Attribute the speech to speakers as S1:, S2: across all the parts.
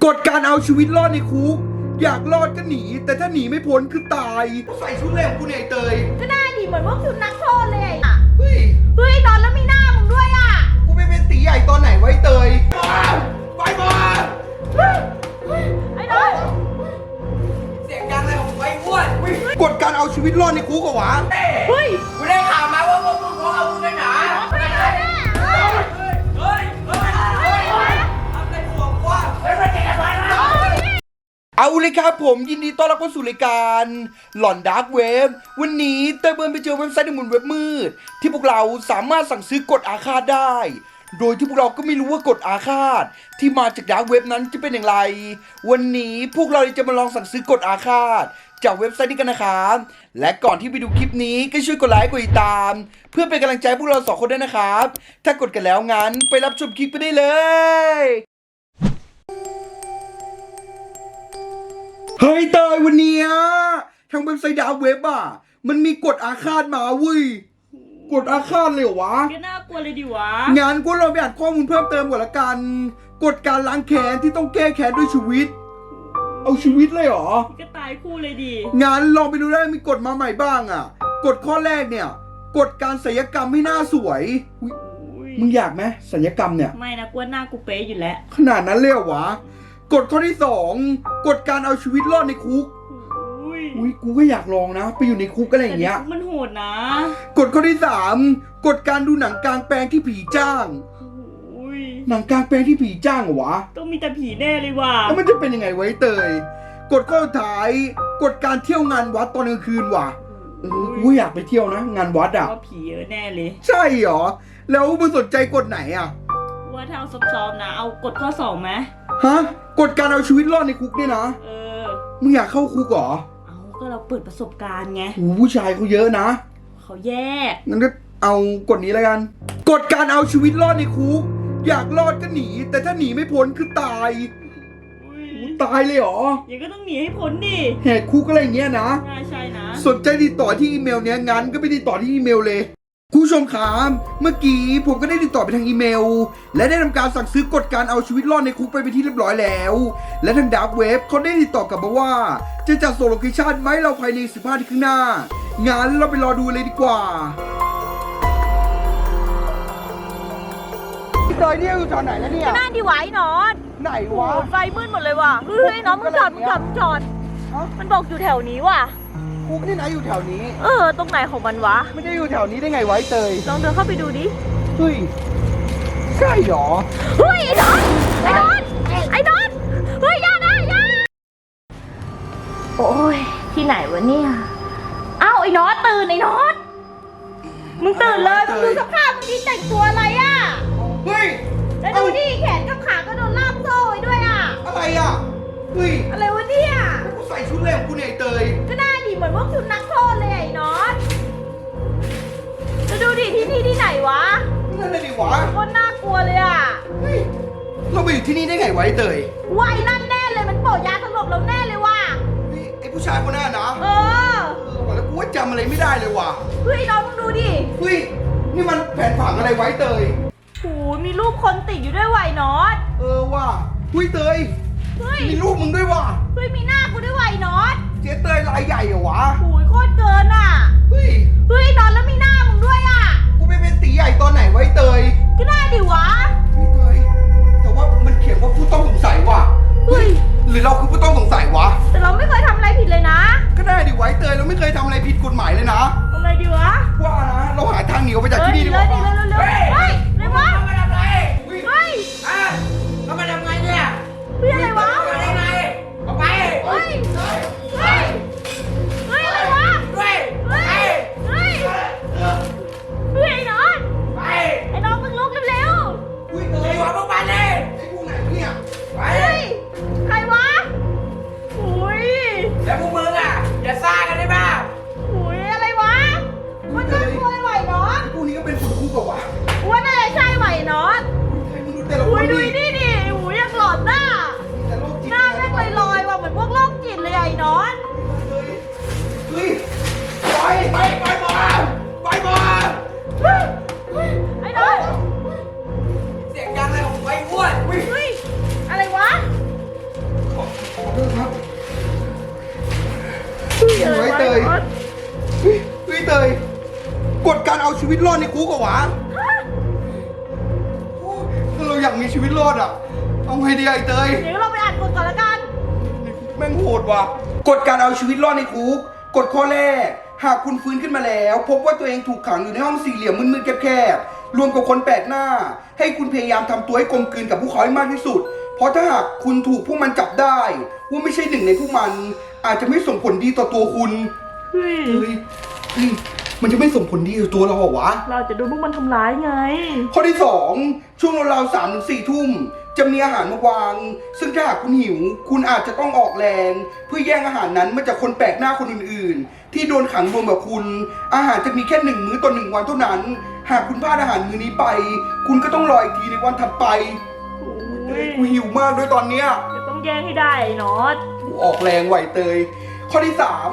S1: กฎการเอาชีวิตรอดในคุกอยากรอดก็หนีแต่ถ้าหนีไม่พ้นคือตายใส่ชุดเล่มกูเนี่ยเตย
S2: ก็ได้ดิเหมือนพวกชุดนักโทษเลย
S1: เฮ้
S2: ยนอนแล้วมีหน้ามึงด้วยอ่ะ
S1: กูไปเป็นตีใหญ่ตอนไหนไว้เตยไปมา
S2: ไอ้น้อย
S3: เสียงดังอะไรของไอ้อ้วน
S1: กฎการเอาชีวิตรอดในคุกเหรอวะ
S2: เฮ้ย
S3: กูได้ข่าวมาว่าพวกมึงเอามึงกันหนาเฮ้ยทำอะไรหัวกูเฮ้ยมันเก่งอะไรนะ
S1: เอาเลยครับผมยินดีต้อนรับเข้าสู่รายการหลอนดาร์กเว็บวันนี้เต้ยเบิร์นไปเจอเว็บไซต์ในหมุนเว็บมืดที่พวกเราสามารถสั่งซื้อกฎอาฆาตได้โดยที่พวกเราก็ไม่รู้ว่ากฎอาฆาตที่มาจากดาร์กเว็บนั้นจะเป็นอย่างไรวันนี้พวกเราจะมาลองสั่งซื้อกฎอาฆาตจากเว็บไซต์นี้กันนะครับและก่อนที่ไปดูคลิปนี้ก็ช่วยกดไลค์กดติดตามเพื่อเป็นกำลังใจพวกเรา2คนด้วยนะครับถ้ากดกันแล้วงั้นไปรับชมคลิปไปได้เลยเฮ้ยเตยวันนี้ทางเว็บไซต์ดาร์กเว็บมันมีกฎอาฆาตมาเว้ยกฎอาฆาตเลยเหรอวะ
S2: ก็น่ากลัวเลยดิวะ
S1: งั้นก็ลองไปอ่านข้อมูลเพิ่มเติมก่อนละกันกฎการล้างแค้นที่ต้องแก้แค้นด้วยชีวิตเอาชีวิตเลยเหรอ
S2: ก็ตายคู่เลยดิ
S1: งั้นลองไปดูได้มีกฎมาใหม่บ้างกฎข้อแรกเนี่ยกฎการศัลยกรรมให้หน้าสวยมึงอยากไหมศัลยกรรมเนี่ย
S2: ไม่นะกลัวหน้ากูเป๊ะอยู่แล้ว
S1: ขนาดนั้นเลยเหรอวะกฎข้อที่2กฎการเอาชีวิตรอดในคุกอุ้ยกูก็อยากลองนะไปอยู่ในคุกอะไรอย่างเงี้ย
S2: มันโหดนะ
S1: กฎข้อที่3กฎการดูหนังกลางแปลงที่ผีจ้างหนังกลางแปลงที่ผีจ้างเหรอวะ
S2: ต้องมีแต่ผีแน่เลยว่ะ
S1: แล้วมันจะเป็นยังไงไว้เตยกฎข้อสุดท้ายกฎการเที่ยวงานวัดตอนกลางคืนว่ะกูอยากไปเที่ยวนะงานวัด
S2: ว่าผีเยอะแน่เลย
S1: ใช่เหรอแล้วมึงสนใจกฎไหน
S2: ว่าถ้าเอาซ้อมๆนะเอากฎข้อ2ไหม
S1: ฮะกฎการเอาชีวิตรอดในคุกเนี่ยนะมึงอยากเข้าคุกเหรอ
S2: ก็เราเปิดประสบการณ์ไง
S1: ผู้ชายเขาเยอะนะ
S2: เขาแยก
S1: งั้นก็เอากฎนี้แล้วกันกฎการเอาชีวิตรอดในคุกอยากรอดก็หนีแต่ถ้าหนีไม่พ้นคือตายตายเลยเหรอ
S2: ยังก็ต้องหนีให้พ้นดิ
S1: แหกคุกอะไรอย่างเงี้ยนะ
S2: ใช่นะ
S1: สนใจติดต่อที่อีเมลเนี้ยงั้นก็ไปติดต่อที่อีเมลเลยคุณผู้ชมครับเมื่อกี้ผมก็ได้ติดต่อไปทางอีเมลและได้ทำการสั่งซื้อกฎการเอาชีวิตรอดในคุกไปเป็นที่เรียบร้อยแล้วและทางดาร์กเว็บเขาได้ติดต่อกลับมาว่าจะจัดส่งโลเคชั่นไหมเราภายใน15นาทีข้างหน้างั้นเราไปรอดูเลยดีกว่าพี่เตยเนี่ยอยู่จอดไหนแล้วเนี่ย
S2: น่าดีไว้นอน
S1: ไหนวะ
S2: ไฟมืดหมดเลยว่ะเฮ้ยน้องมึงจอดมันบอกอยู่แถวนี้ว่ะ
S1: คุกนี่นะอยู่แถวนี้
S2: ตรงไหนของมันวะ
S1: ไม่ได้อยู่แถวนี้ได้ไงไว้เตย
S2: ลองเดินเข้าไปดูดิ
S1: เฮ้ยใช่หรอ
S2: เฮ้ยไอ้นอนเฮ้ยอย่าโอ้ยที่ไหนวะเนี่ยอ้าวไอ้นอนตื่นไอ้นอนมึงตื่นเลยมึงดูสภาพมึงนี่แต่งตัวอะไร
S1: เฮ้ย
S2: แล้วดูดิแขนกับขาก็โดนล่ามโซ่ไว้ด้วย
S1: อะไรเฮ้ย
S2: อะไรวะเนี่ย
S1: กูใส่ชุดเล่มกูเนี่ยเตย
S2: ก็ได้ดิเหมือนพวกชุดนักโทษเลยไอ้นอนแล้วดูดิที่นี่ที่ไหนวะ
S1: นั่นเลยดิวะ
S2: คนน่ากลัวเลย
S1: เฮ้ยเราไปอยู่ที่นี่ได้ไงไว้เตย
S2: ไว้นั่นแน่เลยมันโปะยาสลบเราแน่เลยว่ะ
S1: ไอ้ผู้ชายคนนั้นนะแล้วกูว่าจำอะไรไม่ได้เลยว่ะ
S2: เฮ้ยน้องมึงดูดิ
S1: เฮ้ยนี่มันแผนผังอะไรไว้เตย
S2: โอ้มีรูปคนติดอยู่ด้วยไว้นอต
S1: ว่ะเฮ้ยเตยมีรูปมึงด้วยว่ะ
S2: เฮ้ยมีหน้ากูด้วยไว้นอต
S1: เจ๊เตยลายใหญ่เหรอวะ
S2: โอ้ยโคตรเกิน
S1: เฮ้ย
S2: นอนแล้วมีหน้ามึงด้วย
S1: กูไปเป็นตีใหญ่ตอนไหนไว้เตย
S2: ก็ได้ดิวะ
S1: เฮ้ยเตยแต่ว่ามันเขียนว่าผู้ต้องสงสัยว่ะ
S2: เฮ้ย
S1: หรือเราคือผู้ต้องสงสัยวะ
S2: แต่เราไม่เคยทำอะไรผิดเลยนะ
S1: ก็ได้ดิไว้เตยเราไม่เคยทำอะไรผิดกฎหมายเลยนะ
S2: ทำอะไรดีวะ
S1: ว่านะเราหาทางหนีออกไปจากที่นี่ดีกว่า
S2: เฮ้ยอะไรวะ
S3: มาทำไร
S2: เฮ้ย
S3: เรามาทำไงเนี่ย
S2: เฮ้ยอะไรวะ
S3: มาได้ไงออกไป
S2: เฮ้ยอะไรวะ
S3: เฮ้ย
S2: ไอ้นอนมึงลุกเร็ว
S3: ไอ้หัวพวกมันเลย
S1: ไอ้พวกไหนเนี่ย
S3: ไป
S1: ยเฮ้ยเตยกฎการเอาชีวิตรอดในคุกเหรอวะถ้าเราอยากมีชีวิตรอดอ่ะเอาไงดีไอ้เตย
S2: เดี๋ยวเราไปอ่านกฎก่อนละกัน
S1: แม่งโหดว่ะกฎการเอาชีวิตรอดในคุกกฎข้อแรกหากคุณฟื้นขึ้นมาแล้ว พบว่าตัวเองถูกขังอยู่ในห้องสี่เหลี่ยมมืดๆแคบๆรวมกับคนแปลกหน้า ให้คุณพยายามทำตัวให้กลมกลืนกับพวกเขาให้มากที่สุด เพราะถ้าหากคุณถูกพวกมันจับได้ว่าไม่ใช่หนึ่งในพวกมันอาจจะไม่ส่งผลดีต่อตัวคุณ
S2: เฮ้ย
S1: เฮ้ยมันจะไม่ส่งผลดีต่อตัวเราเหรอวะ
S2: เราจะโดนพวกมันทำร้ายไง
S1: ข้อที่ 2 ช่วงราวๆ3-4 ทุ่มจะมีอาหารมาวาง ซึ่งถ้าหากคุณหิว คุณอาจจะต้องออกแรง เพื่อแย่งอาหารนั้นมาจากคนแปลกหน้าคนอื่นๆ ที่โดนขังรวมกับคุณ อาหารจะมีแค่1 มื้อต่อ1 วันเท่านั้น หากคุณพลาดอาหารมื้อนี้ไป คุณก็ต้องรออีกทีในวันถัดไป
S2: โอ้ย
S1: กูหิวมากด้วยตอนเนี้ย
S2: จะต้องแย่งให้ได้ไอ้น็อต
S1: กูออกแรงไหวเตย ข้อที่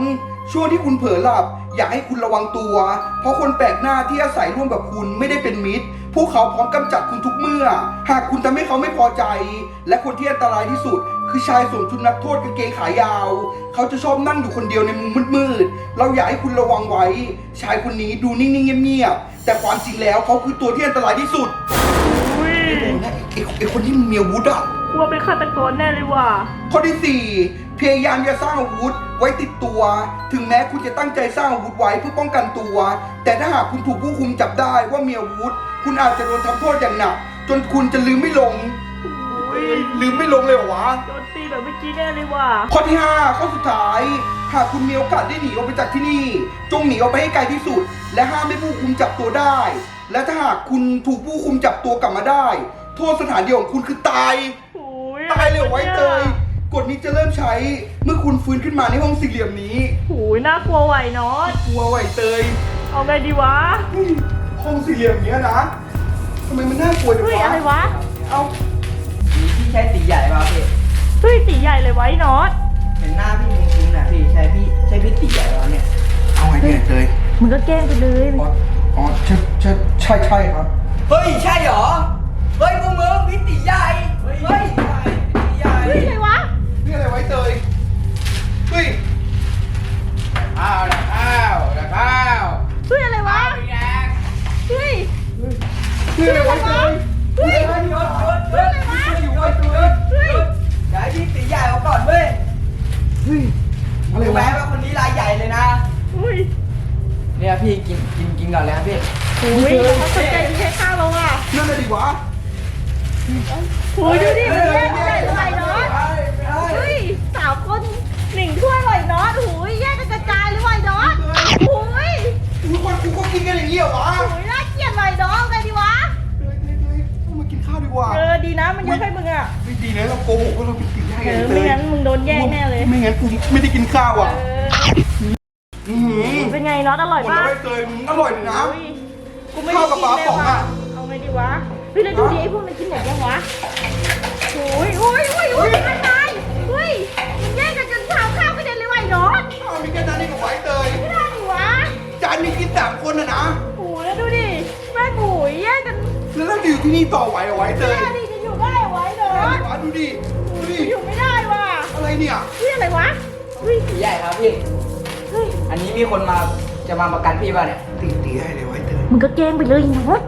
S1: 3 ช่วงที่คุณเผลอหลับ อยากให้คุณระวังตัว เพราะคนแปลกหน้าที่อาศัยร่วมกับคุณไม่ได้เป็นมิตร พวกเขาพร้อมกำจัดคุณทุกเมื่อ หากคุณทำให้เขาไม่พอใจ และคนที่อันตรายที่สุด คือชายสวมชุดนักโทษกางเกงขายาว เขาจะชอบนั่งอยู่คนเดียวในมุมมืดๆ เราอยากให้คุณระวังไว้ ชายคนนี้ดูนิ่งๆเงียบๆ แต่ความจริงแล้วเขาคือตัวที่อันตรายที่สุด
S2: อุ้ย
S1: โอ้โหนะไอ้คนที่มีอาวุธอ่ะ
S2: กลัวเป็นฆาตกรแน่เลยว่ะ
S1: ข้อที่ 4 พยายามจะสร้างอาวุธไว้ติดตัว ถึงแม้คุณจะตั้งใจสร้างอาวุธไว้เพื่อป้องกันตัว แต่ถ้าหากคุณถูกผู้คุมจับได้ว่ามีอาวุธ คุณอาจจะโดนทำโทษอย่างหนัก จนคุณจะลืมไม่ลง
S2: อุ้ย
S1: ลืมไม่ลงเลยเหรอวะ
S2: โดนตีแบบเมื่อกี้แน่เลยว่ะ
S1: ข้อที่ 5 ข้อสุดท้าย หากคุณมีโอกาสได้หนีออกไปจากที่นี่ จงหนีออกไปให้ไกลที่สุด และห้ามให้ผู้คุมจับตัวได้ และถ้าหากคุณถูกผู้คุมจับตัวกลับมาได้ โทษสถานเดียวของคุณคือตาย
S2: โอ้ย
S1: ตายเลยเหรอไว้เตย กฎนี้จะเริ่มใช้เมื่อคุณฟื้นขึ้นมาในห้องสี่เหลี่ยมนี้
S2: โอ้ยน่ากลัวไหวน็อต
S1: กลัวไหวเตย
S2: เอาไงดีวะ
S1: เฮ้ยห้องสี่เหลี่ยมเนี้ยนะทำไมมันน่ากลัวจัง
S2: เฮ้ยว
S1: ะ
S2: อะไรวะ
S1: เอา
S3: พี่ใช้ตีใหญ่ป่ะพี่
S2: เฮ้ยตีใหญ่เลยไว้น็อต
S3: เห็นหน้าพี่คุ้นๆนะพี่ใช่พี่ตีใหญ่แล้วเนี่ย
S1: เอาไงเนี่ยเตย
S2: มึงก็แกล้งไปเลย
S1: อ๋อใช่ครับ
S3: เฮ้ยใช่เหรอเฮ้ยพวกมึงพี่ตีใหญ่เฮ้ยตีใหญ่
S2: เฮ้ยอะไรวะ
S1: นี่อะไรไว้เตย เฮ้ย
S3: ข้าวนะข้าว
S2: เฮ้ยอะไรวะ
S3: พี่แดง
S2: เฮ้ย
S1: นี่อะไรไว้เตย
S2: เฮ้ย
S3: หยุดอยู่ไว้ตัว
S2: เฮ้ย
S3: เดี๋ยวให้พี่ตีใหญ่เอาก่อนเว้ย
S1: เฮ้ย อะไร
S3: รู้ไหม
S1: วะ
S3: ว่าคนนี้รายใหญ่เลยนะ
S2: เฮ้ย
S3: เนี่ยพี่กินก่อนเลยครับพี่
S2: โอ้ยเขาสนใจที่แค่ข้าวเราอ่ะ
S1: นั่นอะไรดีวะ
S2: โอ้ยดูดิมันแย่งกันได้เลยไอ้น็อตเฮ้ย3 คน1 ถ้วยเลยน็อตโอ้ยแย่งกันกระจายเลยไอ้น็อตโอ้ย
S1: ทุกคนกูก็กินกันอย่างนี้เหรอวะ
S2: โอ้ยน่าเกลียดเลยน็อตไงดีวะ
S1: เตยต้องมากินข้าวดีกว่า
S2: ดีนะมันยกให้มึงอ่ะ
S1: ไม่ดีนะเราโกหกว่าเราเป็นตีใหญ่ไงเต
S2: ไม่
S1: ย
S2: งั้นมึงโดนแย่งแน่เลย
S1: ไม่งั้นกูไม่ได้กินข้าวอ่ะ
S2: อเป็นไงน็อตอร่อย
S1: หมด
S2: ป่ะ
S1: แล้วไว้เตยมึงอร่อยนะ
S2: โอ้ยกูไม่
S1: ข้าวกับปลาป๋องอะ
S2: เอาไงดีวะเฮ้ยแล้วดูดิไอ้พวกมันกินหมดยังวะโอ้ยโอ้ยโอ้ยโอ้ยตายเฮ้ยมันแย่งกันจนข้าวกระเด็นเลยว่ะไอ้น็อต
S1: ข้าวมีแค่นั้นเองกับไว้เตย
S2: ไม่ได้ดิวะ
S1: จานมีกิน3 คนนะ
S2: โอ้ยแล้วดูดิแม่งโอ้ยแย่งกัน
S1: แล้วเราจะอยู่ที่นี่ต่อไหวเหรอไว้เตย
S2: แย่ดิจะอยู่ได้ไว้น็อต
S1: ดูดิ ดูดิ
S2: อยู่ไม่ได้ว่ะ
S1: อะไรเนี่ย
S2: เฮ้ยอะไรวะเฮ้ย
S3: ตีใหญ่ครับพี่
S2: เฮ้ย
S3: อันนี้มีคนจะมาประกันพี่ป่ะเนี่ย
S1: ตีให้เลยไว้เตย
S2: มึงก็แกล้งไปเลยน็อต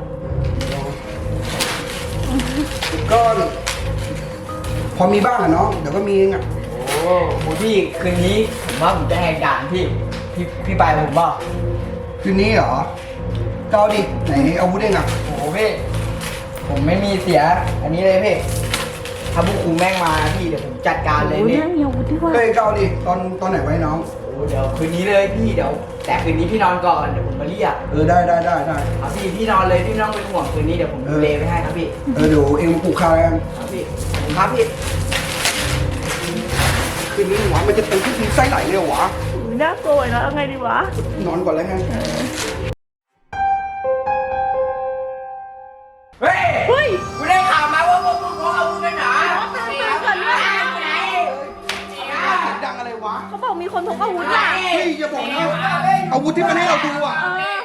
S1: ก็พอมีบ้างอะเนาะเดี๋ยวก็มีเองอะ
S3: โอ้โหพี่คืนนี้ผมว่าผมจะแหกด่านพี่ไปผมบอก
S1: คืนนี้เหรอก็เอาดิไหนอาวุธเองอะ
S3: โอ้โหพี่ผมไม่มีเสีย อันนี้เลยพี่ถ้าพวกครูแม่งมาพี่เดี๋ยวผมจัดการเลย
S2: โอ้ย
S3: พี่
S2: นั่งเหี่ยวด้วยว่ะ
S1: เฮ้ยก็เอาดิตอนไหนไว้น้อง
S3: โอ้เดี๋ยวคืนนี้เลยพี่เดี๋ยว แต่คืนนี้พี่นอนก่อนเดี๋ยวผมมาเรียก
S1: ได้
S3: ครับพี่นอนเลยพี่ไม่ต้องเป็นห่วงคืนนี้เดี๋ยวผมดูแลไปให้ครับพี่
S1: เดี๋ยวเองมาปลูกข้าวกัน
S3: ครับพี่ผมครับพี่
S1: คืนนี้หวานมันจะเป็นที่ไส้ไหลเลยเหรอวะ
S2: โอ้ยน่ากลัวเนาะเอาไงดีวะ
S1: นอนก่อนแล้วกัน
S3: เฮ้ย
S2: เฮ้ย
S3: กูได้ข่าวมาว่าพวกมึงพกอาวุธกันเหรอ
S2: ตื่นก่อนเลย
S3: ไหน
S1: เสียงดังอะไรวะ
S2: เขาบอกมีคนพกอาวุธอ่ะ
S1: เฮ้ยอย่าบอกนะอาวุธที่มันให้เราดูอะ
S2: เออ